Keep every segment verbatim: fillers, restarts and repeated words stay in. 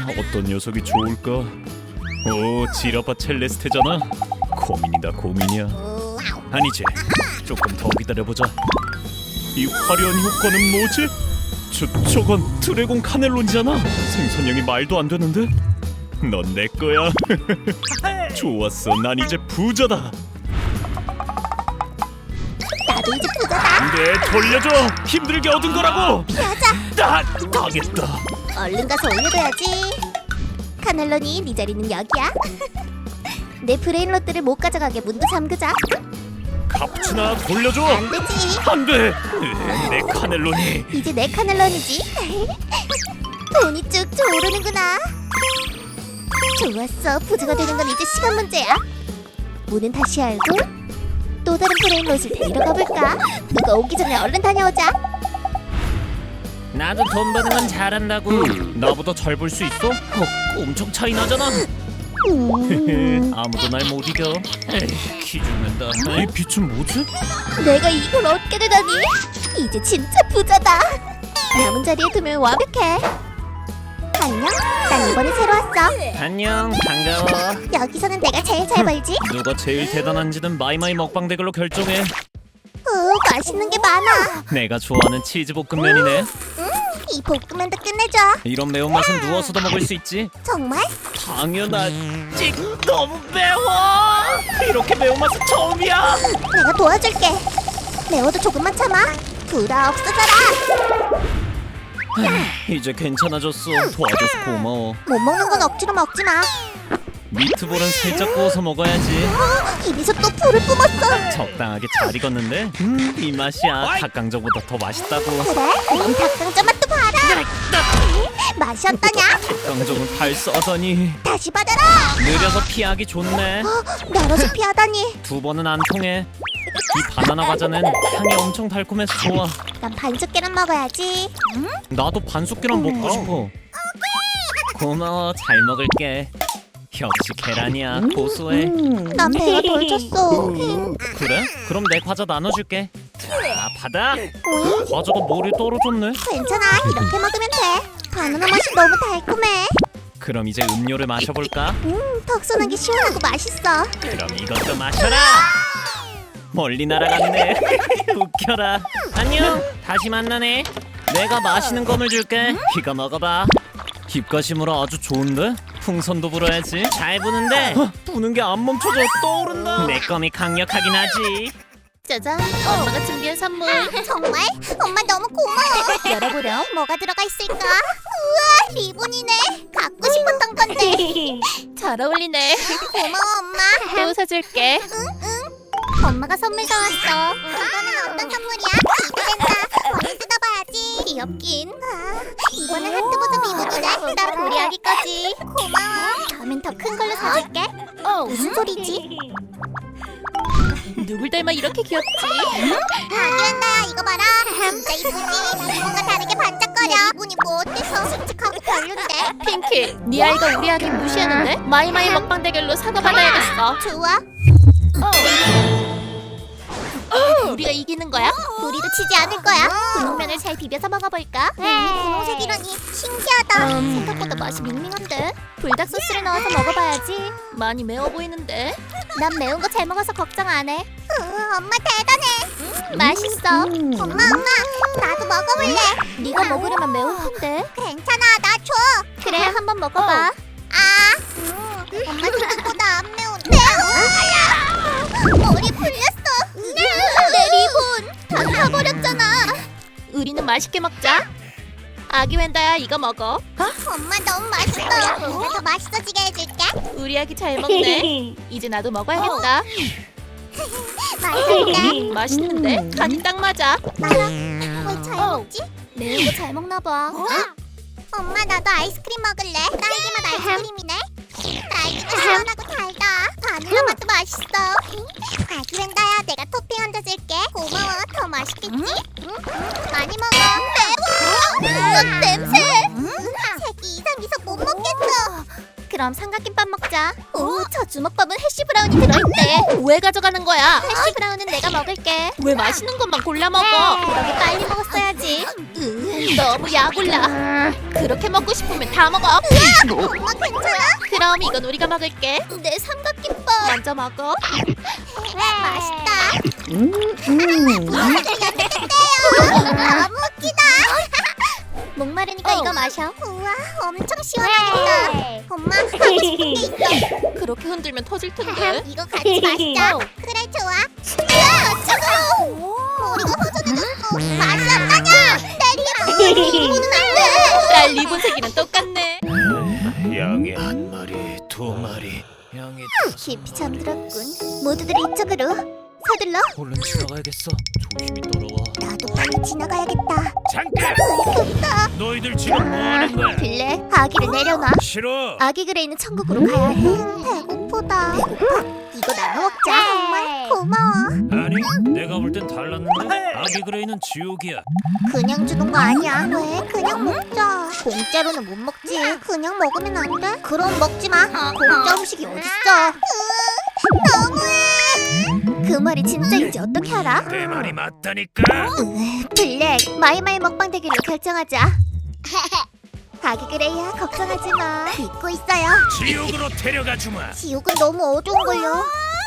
어떤 녀석이 좋을까? 오, 지라파 첼레스테잖아. 고민이다 고민이야. 아니지, 조금 더 기다려보자. 이 화려한 효과는 뭐지? 저, 저건 드래곤 카넬론이잖아. 생선형이 말도 안 되는데? 넌 내 거야. 좋았어, 난 이제 부자다. 나도 이제 부자다. 안돼, 돌려줘. 힘들게 얻은 거라고. 피하자. 아, 당했다. 얼른 가서 올려둬야지. 카넬론이 네 자리는 여기야. 내 브레인 롯들을 못 가져가게 문도 잠그자. 카푸치나 돌려줘. 안 되지. 안돼. 내 카넬론이. 이제 내 카넬론이지. 돈이 쭉쭉 오르는구나. 좋았어. 부자가 되는 건 이제 시간 문제야. 문은 다시 열고 또 다른 브레인 롯을 데리러 가볼까? 누가 오기 전에 얼른 다녀오자. 나도 돈 버는 건 잘한다고. 나보다 잘 벌 수 있어? 어, 엄청 차이 나잖아. 음, 아무도 날 못 이겨. 에이, 키 죽는다. 이 빛은 뭐지? 내가 이걸 얻게 되다니. 이제 진짜 부자다. 남은 자리에 두면 완벽해. 안녕. 난 이번에 새로 왔어. 안녕, 반가워. 여기서는 내가 제일 잘 벌지. 누가 제일 대단한지는 마이마이 먹방 댓글로 결정해. 오, 맛있는 게 많아. 내가 좋아하는 치즈 볶음면이네. 이 볶음면도 끝내줘. 이런 매운맛은 누워서도 먹을 수 있지. 정말? 당연하지. 너무 매워. 이렇게 매운맛은 처음이야. 내가 도와줄게. 매워도 조금만 참아. 불아 없어져라. 이제 괜찮아졌어. 도와줘서 고마워. 못 먹는 건 억지로 먹지 마. 미트볼은 살짝 구워서 먹어야지. 어, 입에서 또 불을 뿜었어. 적당하게 잘 익었는데? 음, 이 맛이야. 닭강정보다 더 맛있다고. 그래? 그럼 닭강정 맛도 봐라. 맛이 어떠냐? 닭강정은 발 써더니 다시 받아라. 느려서 피하기 좋네. 어, 멀어서 피하다니. 두 번은 안 통해. 이 바나나 과자는 향이 엄청 달콤해서 좋아. 난 반숙 계란 먹어야지. 나도 반숙 계란 먹고 싶어. 고마워, 잘 먹을게. 역시 계란이야, 고소해. 난 배가 덜 찼어. 그래? 그럼 내 과자 나눠줄게. 자, 받아. 오잉? 과자가 머리에 떨어졌네. 괜찮아. 이렇게 먹으면 돼. 바나나 맛이 너무 달콤해. 그럼 이제 음료를 마셔볼까? 음, 턱선하게 시원하고 맛있어. 그럼 이것도 마셔라. 멀리 날아갔네. 웃겨라. 안녕, 다시 만나네. 내가 마시는 껌을 줄게. 이거 먹어봐. 입가심으로 아주 좋은데? 풍선도 불어야지. 잘 부는데 어, 부는 게 안 멈춰져. 떠오른다. 내 껌이 강력하긴 하지. 짜잔. 엄마가 준비한 선물. 정말? 엄마 너무 고마워. 열어보렴. 뭐가 들어가 있을까? 우와, 리본이네. 갖고 싶었던 건데. 잘 어울리네. 고마워, 엄마. 또 사줄게. 엄마가 선물 사왔어. 이거는 어떤 선물이야? 기대된다. 얼른 뜯어봐야지. 귀엽긴. 아, 이번엔 하트 버전 리본이네. 나 우리 아기 거지. 고마워. 다음엔 더 큰 걸로 사줄게. 어, 무슨 소리지? 누굴 닮아 이렇게 귀엽지? 아기한다. 이거 봐라. 진짜 이쁘지? 뭔가 다르게 반짝거려. 리본이 뭐 어때서? 씩씩하고 별론데? 핑키, 네 아이가 우리 아기 무시하는데? 마이마이 먹방 대결로 사과받아야겠어. 좋아. 우리가 이기는 거야? 우리도 치지 않을 거야. 분홍면을 잘 비벼서 먹어볼까? 면이 분홍색이라니 신기하다. 음. 생각보다 맛이 밍밍한데. 불닭 소스를 넣어서 먹어봐야지. 많이 매워 보이는데? 난 매운 거 잘 먹어서 걱정 안 해. 엄마 대단해. 맛있어. 엄마 엄마 나도 먹어볼래. 네가 먹으려면 매울 텐데. 괜찮아 나 줘. 그래 한번 먹어봐. 아, 음, 엄마 생각보다 안 매운데. 머리 풀렸어. 내 리본 다 타버렸잖아. 우리는 맛있게 먹자. 아기 웬다야, 이거 먹어. 엄마 너무 맛있어. 내가 더 맛있어지게 해줄게. 우리 아기 잘 먹네. 이제 나도 먹어야겠다. 맛있는데? 맛있는데? 간이 딱 맞아. 왜 잘 먹지? 매운 거 잘 먹나 봐. 엄마 나도 아이스크림 먹을래. 딸기 맛 아이스크림이네. 딸기도 시원하고 달다. 바닐라 맛도 맛있어. 아기 웬다야 내가 토핑 얹어줄게. 고마워. 더 맛있겠지? 많이 먹어. 매워. 으악 냄새. 색이 이상해서 못 먹겠어. 그럼 삼각김밥 먹자. 오, 저 주먹밥은 해시 브라운이 들어있대. 왜 가져가는 거야? 해시 브라운은 내가 먹을게. 왜 맛있는 것만 골라 먹어? 그러게 빨리 먹었어야지. 으, 너무 약올라. 그렇게 먹고 싶으면 다 먹어. 엄마 괜찮아? 그럼 이건 우리가 먹을게. 내 삼각김밥 먼저 먹어. 맛있다. 너무 웃기다. 목마르니까 이거 마셔. 우와, 엄청 시원하겠다. 엄마, 하고 싶은 게 있어. 그렇게 흔들면 터질 텐데. 이거 같이 마시자. 그래, 좋아. 으아, 차가워. 머리가 허전해졌어. 맛이 안 나냐? 내리야. 이거는 안 돼. 날 리본 색이랑 똑같네. 양이 한 마리, 두 마리, 양이 깊이 잠들었군. 모두들 이쪽으로. 서둘러. 얼른 지나가야겠어. 조심히 따라와. 나도 빨리 지나가야겠다. 잠깐! 급다. 너희들 지금 뭐 하는 거야? 빌레, 아기를 내려놔. 싫어. 아기 그레이는 천국으로 가야 해. 배고프다. 배고파? 이거 나눠 먹자. 정말 고마워. 아니, 내가 볼 땐 달랐는데. 아기 그레이는 지옥이야. 그냥 주는 거 아니야. 왜? 그냥 먹자. 공짜로는 못 먹지. 그냥 먹으면 안 돼? 그럼 먹지 마. 공짜 음식이 어딨어? 너무해. 그 말이 진짜인지 어떻게 알아? 내 말이 맞다니까. 으, 블랙, 마이마이 먹방 대결로 결정하자. 아기 그레이야, 걱정하지 마. 믿고 있어요. 지옥으로 데려가 주마. 지옥은 너무 어두운걸요.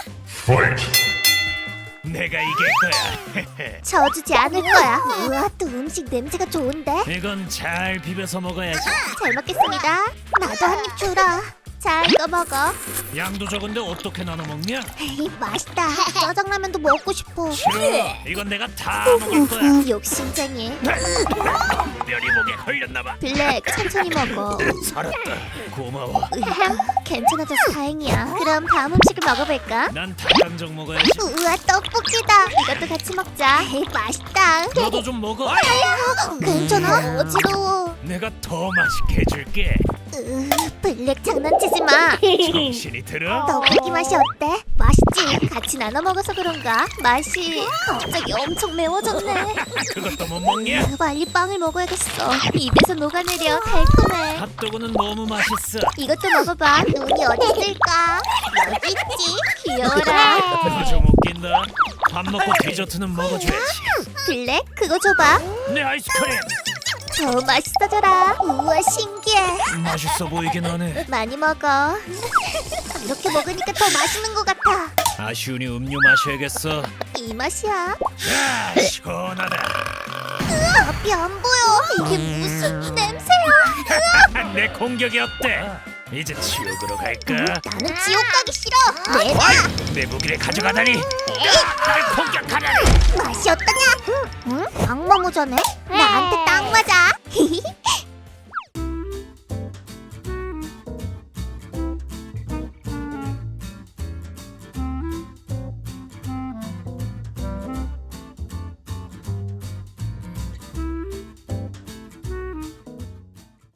내가 이길 거야. 져주지 않을 거야. 우와, 또 음식 냄새가 좋은데? 이건 잘 비벼서 먹어야지. 잘 먹겠습니다. 나도 한 입 주라. 자, 이거 먹어. 양도 적은데 어떻게 나눠 먹냐? 에이, 맛있다. 짜장라면도 먹고 싶어. 싫어. 이건 내가 다 먹을 거야. 욕심쟁이. 멸이 목에 걸렸나봐. 블랙, 천천히 먹어. 살았다. 고마워. 으흠, 괜찮아져서 다행이야. 그럼 다음 음식을 먹어볼까? 난 닭강정 먹어야지. 우와, 떡볶이다. 이것도 같이 먹자. 에이, 맛있다. 너도 좀 먹어. 괜찮아? 어지러워. 내가 더 맛있게 해줄게. 으, 블랙 장난치지 마. 정신이 들어? 떡볶이 맛이 어때? 맛있지? 같이 나눠 먹어서 그런가? 맛이 갑자기 엄청 매워졌네. 그것도 못 먹냐? 으, 빨리 빵을 먹어야겠어. 입에서 녹아내려. 달콤해. 핫도그는 너무 맛있어. 이것도 먹어봐. 눈이 어디 있을까? 여기 있지. 귀여워라. 너 좀 웃긴다. 밥 먹고 디저트는 먹어줘야지. 블랙, 그거 줘봐. 내 아이스크림. 더 맛있어져라. 우와, 신기해. 맛있어 보이긴 하네. 많이 먹어. 이렇게 먹으니까 더 맛있는 것 같아. 아쉬우니 음료 마셔야겠어. 이 맛이야. 아, 시원하다. 앞이 안 보여. 이게 무슨 냄새야? 내 공격이 어때? 이제 지옥으로 갈까? 나는 지옥 가기 싫어. 내놔. 내 무기를 가져가다니. 날 공격하다니. 맛이 어떠냐? 응? 악마 모자네? 나한테 딱 맞아.